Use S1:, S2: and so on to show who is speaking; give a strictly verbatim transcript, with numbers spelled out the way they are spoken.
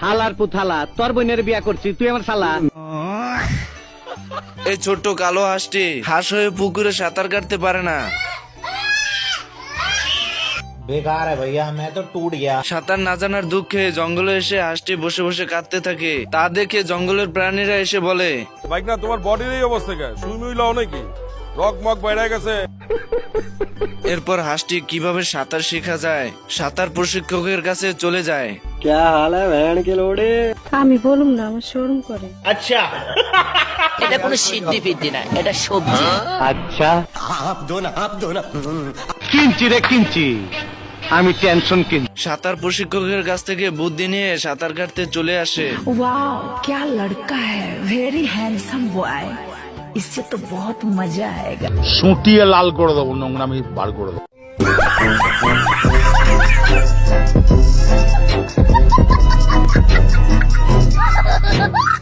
S1: হালার পুথালা তোর বোনের বিয়া করছি তুই আমার শালা।
S2: এই ছোট্ট কালো হাঁসটি হাঁস হয়ে পুকুরে সাঁতার কাটতে পারে না।
S3: बेकार है भैया मैं तो टूट गया।
S2: সাঁতার না জানার দুঃখে জঙ্গলে এসে হাঁসটি বসে বসে কাঁদতে থাকে। তা দেখে জঙ্গলের প্রাণীরা এসে বলে,
S4: বাইক না তোমার বডির এই অবস্থা কে? সুই মুই লাও নাকি? রক মক বাইরে গেছে।
S2: এরপর হাঁসটি কিভাবে সাঁতার শেখা যায় সাঁতার প্রশিক্ষকের কাছে চলে যায়।
S5: আমি বলুম না, আমার শরম করে।
S6: এটা কোনো সিদ্ধি ফিদ্ধি না, এটা সবজি।
S1: আচ্ছা কিনছি রে কিনছি, আমি টেনশন কিনছি।
S2: সাঁতার প্রশিক্ষকের কাছ থেকে বুদ্ধি নিয়ে সাঁতার কাটতে চলে আসে।
S6: वाओ क्या लड़का है, वेरी हैंडसम बॉय, इससे तो बहुत मजा आएगा।
S7: সুটিয়ে লাল করে দেবো, নোংরামি বার করে দেবো।